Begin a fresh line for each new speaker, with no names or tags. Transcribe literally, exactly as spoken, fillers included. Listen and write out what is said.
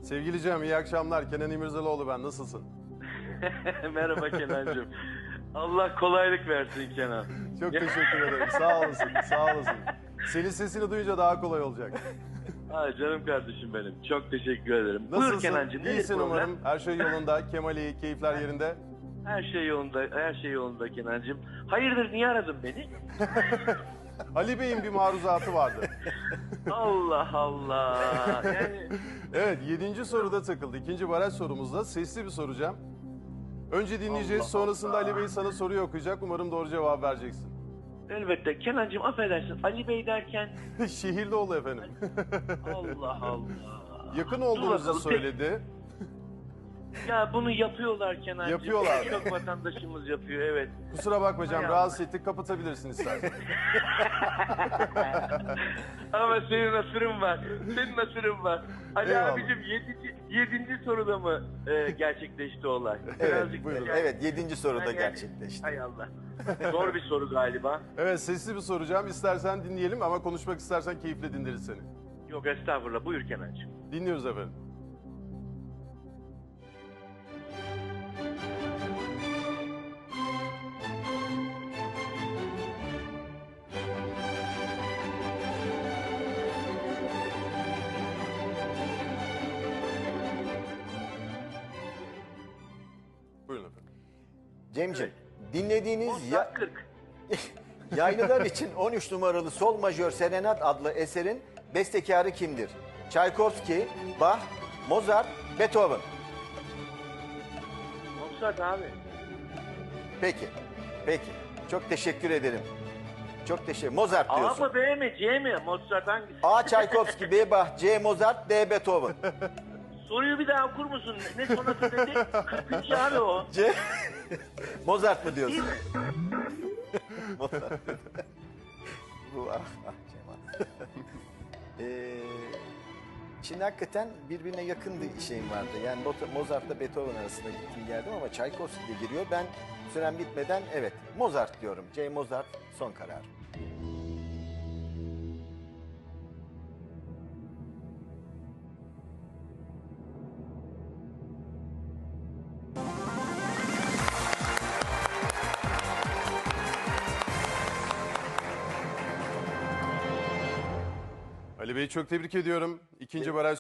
Sevgili Cem, iyi akşamlar. Kenan İmirzalıoğlu ben. Nasılsın?
Merhaba Kenancığım. Allah kolaylık versin Kenan.
Çok teşekkür ederim. Sağ olasın, sağ olasın. Senin sesini duyunca daha kolay olacak.
Ay canım kardeşim benim. Çok teşekkür ederim.
Nasılsın?
Buyur Kenancığım. nedir
İyisin
problem?
umarım. Her şey yolunda. Kemal iyi, keyifler yerinde.
Her şey yolunda, her şey yolunda Kenancığım. Hayırdır niye aradın beni?
Ali Bey'in bir maruzatı vardı.
Allah Allah. Yani
Evet, yedinci soruda takıldı. İkinci baraj sorumuzda sesli bir soracağım. Önce dinleyeceğiz,
Allah
sonrasında
Allah.
Ali Bey sana soruyu okuyacak. Umarım doğru cevap vereceksin.
elbette Kenancığım affedersin. Ali Bey derken
Şehirli oldu efendim.
Allah Allah.
Yakın
Dur
olduğunuzu
bakalım,
söyledi.
Ya bunu yapıyorlar Kenancığım.
Yapıyorlar.
Çok vatandaşımız yapıyor evet.
Kusura bakma Cem,
Hay
rahatsız ettik. Kapatabilirsin istersen.
Ama senin asırın var. Senin asırın var. Ali
Eyvallah.
abicim yedinci, yedinci soruda mı e, gerçekleşti olay?
Evet,
Birazcık
buyurun.
yani-
Evet, yedinci soruda
yani-
gerçekleşti.
Hay Allah. Zor bir soru galiba.
Evet, sesli bir soracağım. İstersen dinleyelim ama konuşmak istersen keyifle dinleriz seni.
Yok estağfurullah. Buyur Kenancığım.
Dinliyoruz efendim. Buyurun efendim.
Cemciğim, dinlediğiniz ya,
Mozart kırk.
yaylılar için on üç numaralı Sol Majör Serenat adlı eserin bestekarı kimdir? Tchaikovsky, Bach, Mozart, Beethoven.
Mozart abi.
Peki, peki. Çok teşekkür ederim. Çok teşekkür. Mozart
A
diyorsun.
mı B mi C mi? Mozart hangisi?
A. Tchaikovsky, B. Bach, C. Mozart, D. Beethoven.
Soruyu bir daha okur musun? Ne sonrası dedi? kırkıncı abi o.
C. Mozart mı
Değil
diyorsun?
mi?
Mozart. Bu ah, ah Cemal. Ee, şimdi hakikaten birbirine yakın bir şeyim vardı. Yani Mo- Mozart'la Beethoven arasında gittim geldim ama Tchaikovsky de giriyor. Ben süren bitmeden evet Mozart diyorum. C. Mozart son karar.
Ali Bey'i çok tebrik ediyorum. İkinci baraj